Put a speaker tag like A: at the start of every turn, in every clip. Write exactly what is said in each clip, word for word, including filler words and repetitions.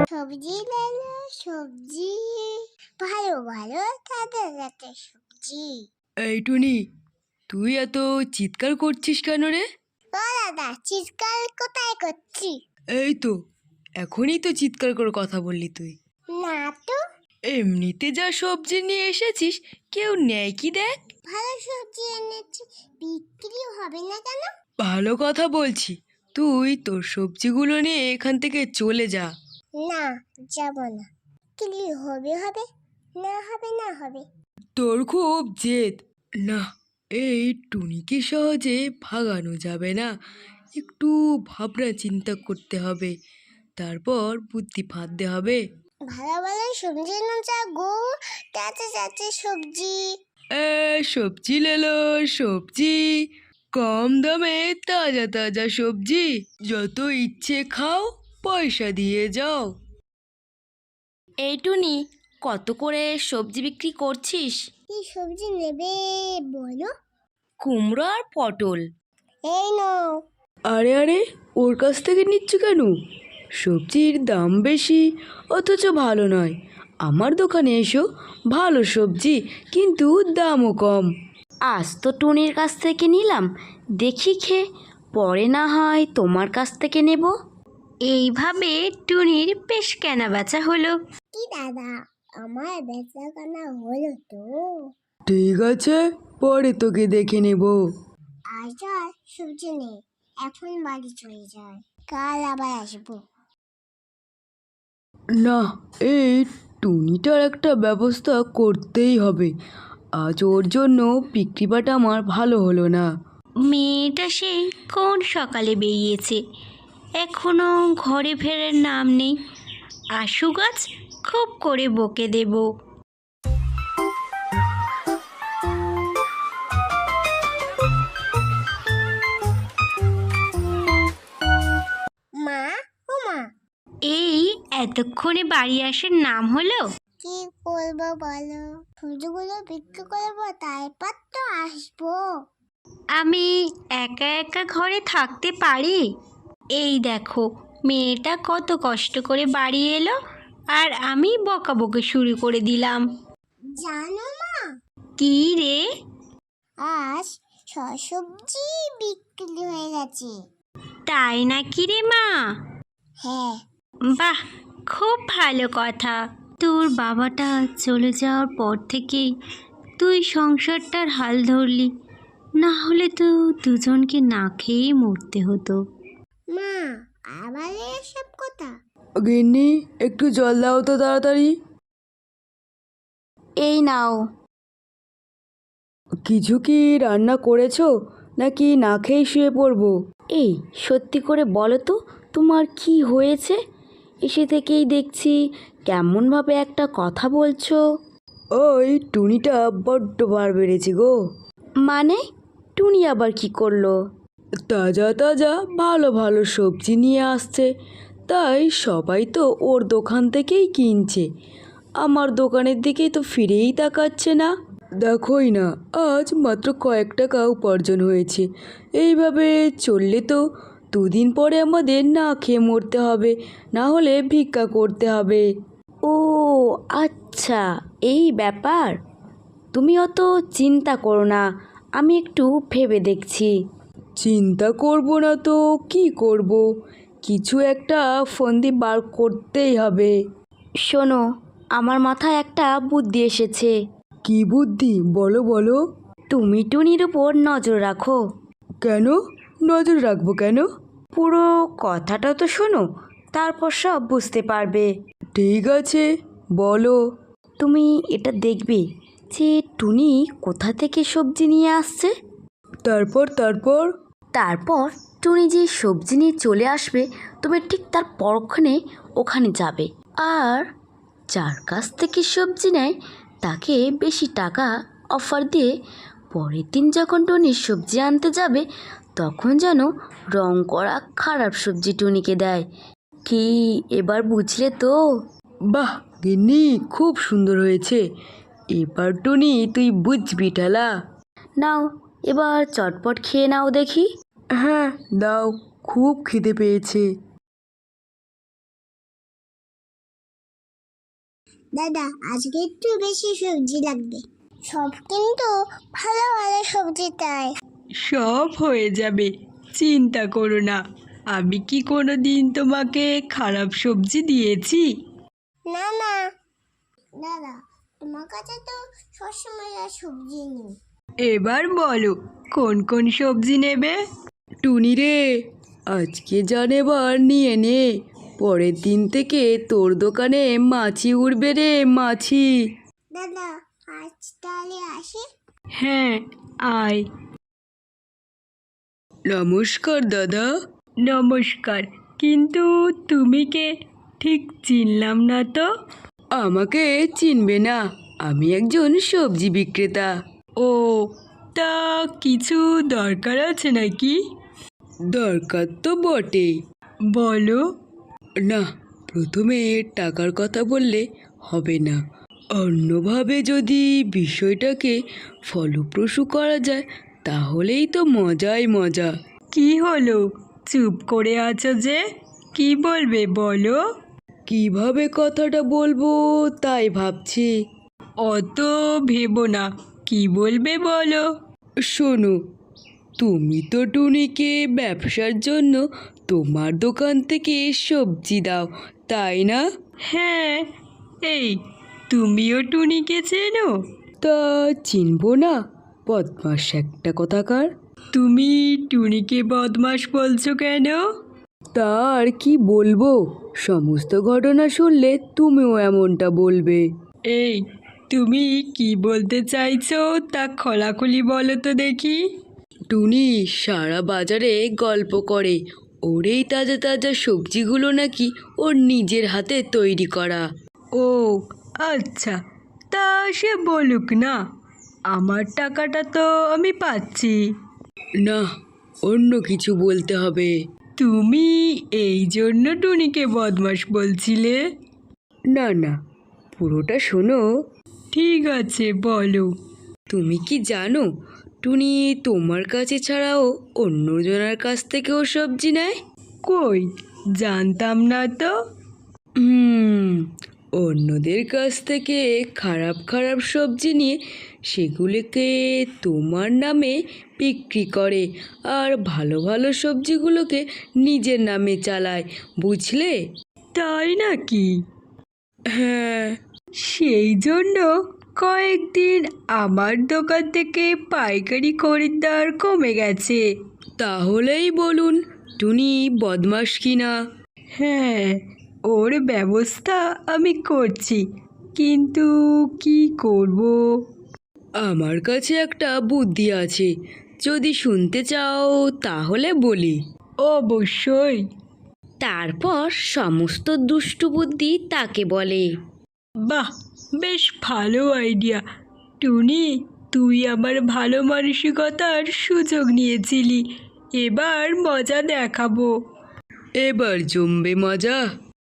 A: সবজি লালা সবজি ভালো ভালো তাজা তাজা সবজি।
B: এই টুনি, তুই এত চিৎকার করছিস কেন রে?
A: ও দাদা, চিৎকার কোথায় করছি?
B: এই তো এখনই তো চিৎকার করে কথা বললি তুই।
A: না তো।
B: এমনিতে যা সবজি নিয়ে এসেছিস কেউ নেয় কি দেখ।
A: ভালো সবজি এনেছি, বিক্রি হবে না কেন?
B: ভালো কথা বলছি, তুই তোর সবজিগুলো নিয়ে এখান থেকে চলে যা।
A: না, যাব না। বিক্রি হবে হবে, না হবে না হবে।
B: তোর খুব জেদ না, এই টুনিকে সহজে ভাগানো যাবে না। একটু ভাবনা চিন্তা করতে হবে, তারপর বুদ্ধি ফাঁদতে হবে।
A: ভালো ভালো সবজি না যা গো, তাজা তাজা সবজি।
B: এ সবজি লেলো সবজি, কম দামে তাজা তাজা সবজি, যত ইচ্ছে খাও, পয়সা দিয়ে যাও।
C: এই টুনি, কত করে সবজি বিক্রি করছিস?
A: কি সবজি নেবে বলো?
C: কুমড়ো আর পটল।
A: এই নাও।
B: আরে আরে, ওর কাছ থেকে নিচ্ছ কেন? সবজির দাম বেশি অথচ ভালো নয়। আমার দোকানে এসো, ভালো সবজি কিন্তু দামও কম।
C: আজ তো টুনির কাছ থেকে নিলাম, দেখি খেয়ে পরে না হয় তোমার কাছ থেকে নেব। এইভাবে টুনির বেশ কেনা বেচা হলো।
A: কি দাদা, আমার বেচা কেনা হলো তো?
B: ঠিক আছে, পরে তোকে দেখে নেব।
A: আজ আর সবজি নেই, এখন বাড়ি চলে যায়, কাল আবার আসবো।
B: না, এই টুনিটার একটা ব্যবস্থা করতেই হবে। আজ ওর জন্য বিক্রিবাটা আমার ভালো হলো না।
C: মেয়েটা সেই কোন সকালে বেরিয়েছে, এখনো ঘরে ফেরার নাম নেই। আশু গাছ খুব করে বকে দেব।
A: মা, ও মা,
C: এই এতক্ষণে বাড়ি আসার নাম হলো?
A: কি করবো বলো? সবজিগুলো বিক্রি করবো, তারপর তো আসবো।
C: আমি একা একা ঘরে থাকতে পারি? এই দেখো, মেয়েটা কত কষ্ট করে বাড়ি এলো আর আমি বকাবকি শুরু করে দিলাম।
A: জানো মা,
C: কি রে?
A: আজ সব সবজি বিক্রি হয়ে গেছে।
C: তাই নাকি রে মা?
A: হ্যাঁ।
C: বাহ, খুব ভালো কথা। তোর বাবাটা চলে যাওয়ার পর থেকেই তুই সংসারটার হাল ধরলি, না হলে তো দুজনকে না খেয়েই মরতে হতো।
A: মা, আবার এসব কথা?
B: গিন্নি, একটু জল দাও তো তাড়াতাড়ি।
C: এই নাও।
B: কিছু কি রান্না করেছো নাকি না খেয়ে শুয়ে পড়বো?
C: এই সত্যি করে বলো তো, তোমার কি হয়েছে? এসে থেকেই দেখছি কেমনভাবে একটা কথা বলছো।
B: ওই টুনিটা বড্ড বার বেড়েছে গো।
C: মানে, টুনি আবার কি করলো?
B: তাজা তাজা ভালো ভালো সবজি নিয়ে আসছে, তাই সবাই তো ওর দোকান থেকেই কিনছে। আমার দোকানের দিকেই তো ফিরেই তাকাচ্ছে না। দেখোই না, আজ মাত্র কয়েক টাকা উপার্জন হয়েছে। এইভাবে চললে তো দুদিন পরে আমাদের না খেয়ে মরতে হবে, না হলে ভিক্ষা করতে হবে।
C: ও আচ্ছা, এই ব্যাপার। তুমি অত চিন্তা করো না, আমি একটু ভেবে দেখছি।
B: চিন্তা করব না তো কি করব, কিছু একটা ফন্দি বার করতেই হবে।
C: শোনো, আমার মাথায় একটা বুদ্ধি এসেছে।
B: কি বুদ্ধি, বলো বলো।
C: তুমি টুনির উপর নজর রাখো।
B: কেন নজর রাখবো কেন?
C: পুরো কথাটা তো শোনো, তারপর সব বুঝতে পারবে।
B: ঠিক আছে, বলো।
C: তুমি এটা দেখবে যে টুনি কোথা থেকে সবজি নিয়ে আসছে।
B: তারপর তারপর
C: তারপর টুনি যে সবজি নিয়ে চলে আসবে, তুমি ঠিক তার পরক্ষণে ওখানে যাবে, আর যার কাছ থেকে সবজি নেয় তাকে বেশি টাকা অফার দিয়ে পরের দিন যখন টুনি সবজি আনতে যাবে, তখন যেন রং করা খারাপ সবজি টুনিকে দেয়। কি এবার বুঝলে তো?
B: বাহ গিন্নি, খুব সুন্দর হয়েছে। এবার টুনি তুই বুঝবি ঠেলা।
C: নাও, এবার চটপট খেয়ে নাও দেখি।
B: হ্যাঁ দাও, খুব খিদে পেয়েছে।
A: দাদা আজকে একটু বেশি সবজি লাগবে। সব কিন্তু ভালো ভালো সবজি তাই।
B: সব হয়ে যাবে, চিন্তা করো না। আমি কি কোনো দিন তোমাকে খারাপ সবজি দিয়েছি?
A: না না দাদা, তোমার কাছে তো সবসময় আর সবজি নেই।
B: এবার বলো কোন কোন সবজি নেবে? টুনি রে, আজকে যা নেবার নিয়ে নে, পরের দিন থেকে তোর দোকানে মাছি উঠবে রে, মাছি।
A: দাদা আজ তাহলে আসি।
B: হ্যাঁ, আয়। নমস্কার দাদা। নমস্কার, কিন্তু তুমি কে? ঠিক চিনলাম না তো। আমাকে চিনবে না, আমি একজন সবজি বিক্রেতা। ও, তা কিছু দরকার আছে নাকি? দরকার তো বটে। বলো। না, প্রথমে টাকার কথা বললে হবে না, অন্যভাবে যদি বিষয়টাকে ফলপ্রসূ করা যায় তাহলেই তো মজাই মজা। কি হলো, চুপ করে আছো যে? কি বলবে বলো। কিভাবে কথাটা বলবো তাই ভাবছি। অত ভেবো না, কি বলবে বলো। শোনো, তুমি তো টুনিকে ব্যবসার জন্য তোমার দোকান থেকে সবজি দাও, তাই না? হ্যাঁ। এই, তুমিও টুনিকে চেনো? তা চিনবো না, বদমাস একটা কথাকার। তুমি টুনিকে বদমাস বলছো কেন? তার কি বলবো, সমস্ত ঘটনা শুনলে তুমিও এমনটা বলবে। এই, তুমি কি বলতে চাইছো তা খোলাখুলি বলো তো দেখি। টুনি সারা বাজারে গল্প করে ওর এই তাজা তাজা সবজিগুলো নাকি ওর নিজের হাতে তৈরি করা। ও আচ্ছা, তা সে বলুক না, আমার টাকাটা তো আমি পাচ্ছি। না, অন্য কিছু বলতে হবে। তুমি এই জন্য টুনিকে বদমাস বলছিলে? না না, পুরোটা শোনো। ঠিক আছে, বলো। তুমি কি জানো টুনি তোমার কাছে ছাড়াও অন্যজনের কাছ থেকেও সবজি নেয়? কই, জানতাম না তো। হুম, অন্যদের কাছ থেকে খারাপ খারাপ সবজি নিয়ে সেগুলোকে তোমার নামে বিক্রি করে আর ভালো ভালো সবজিগুলোকে নিজের নামে চালায়, বুঝলে? তাই নাকি? হ্যাঁ, সেই জন্য কয়েকদিন আমার দোকান থেকে পাইকারি খরিদ্দার কমে গেছে। তাহলেই বলুন টুনি বদমাস কিনা। হ্যাঁ, ওর ব্যবস্থা আমি করছি, কিন্তু কি করব? আমার কাছে একটা বুদ্ধি আছে, যদি শুনতে চাও তাহলে বলি। অবশ্যই।
C: তারপর সমস্ত দুষ্টু বুদ্ধি তাকে বলে।
B: বাহ, বেশ ভালো আইডিয়া। টুনি, তুই আমার ভালো মানসিকতার সুযোগ নিয়েছিলি, এবার মজা দেখাবো। এবার জমবে মজা।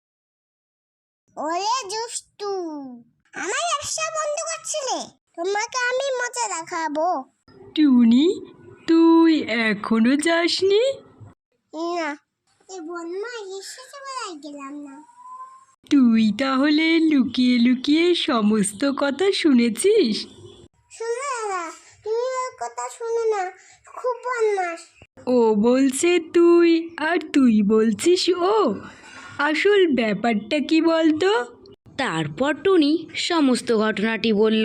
A: ওরে দুষ্টু, আমার ব্যবসা বন্ধ করছিলে, তোমাকে আমি মজা দেখাবো।
B: টুনি, তুই এখনো যাসনি?
A: না, এই বন্যা এসেছে বেলায় গেলাম না।
B: তুই তাহলে লুকিয়ে লুকিয়ে সমস্ত কথা শুনেছিস?
A: শোনো দাদা, তুমি ওর কথা শোনো না, খুব বদমাস।
B: ও বলছে তুই আর তুই বলছিস ও, আসল ব্যাপারটা কি বলতো?
C: তারপর টুনি সমস্ত ঘটনাটি বলল।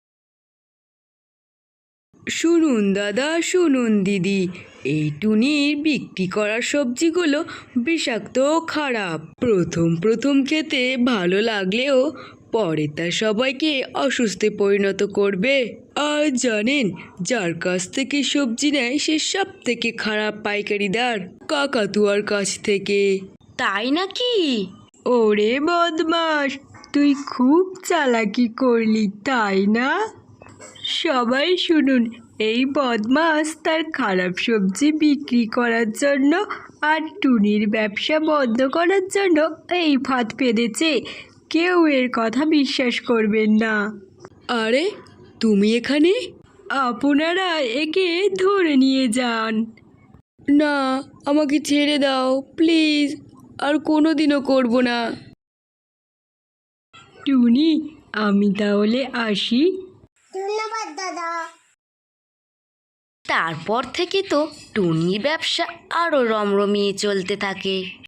B: শুনুন দাদা, শুনুন দিদি, এই টুনির বিক্রি করা সবজিগুলো বিষাক্ত ও খারাপ। প্রথম প্রথম খেতে ভালো লাগলেও পরে তা সবাইকে অসুস্থে পরিণত করবে। আর জানেন, যার কাছ থেকে সবজি নেয় সে সব থেকে খারাপ পাইকারিদার, কাকাতুয়ার কাছ থেকে।
C: তাই নাকি?
B: ওরে বদমাস, তুই খুব চালাকি করলি তাই না? সবাই শুনুন, এই বদমাস তার খারাপ সবজি বিক্রি করার জন্য আর টুনির ব্যবসা বন্ধ করার জন্য এই ফাঁদ পেতেছে। কেউ এর কথা বিশ্বাস করবেন না। আরে, তুমি এখানে? আপনারা একে ধরে নিয়ে যান। না, আমাকে ছেড়ে দাও প্লিজ, আর কোনোদিনও করব না। টুনি আমি তাহলে আসি।
A: ধন্যবাদ দাদা।
C: তারপর থেকে তো টুনির ব্যবসা আরও রমরমিয়ে চলতে থাকে।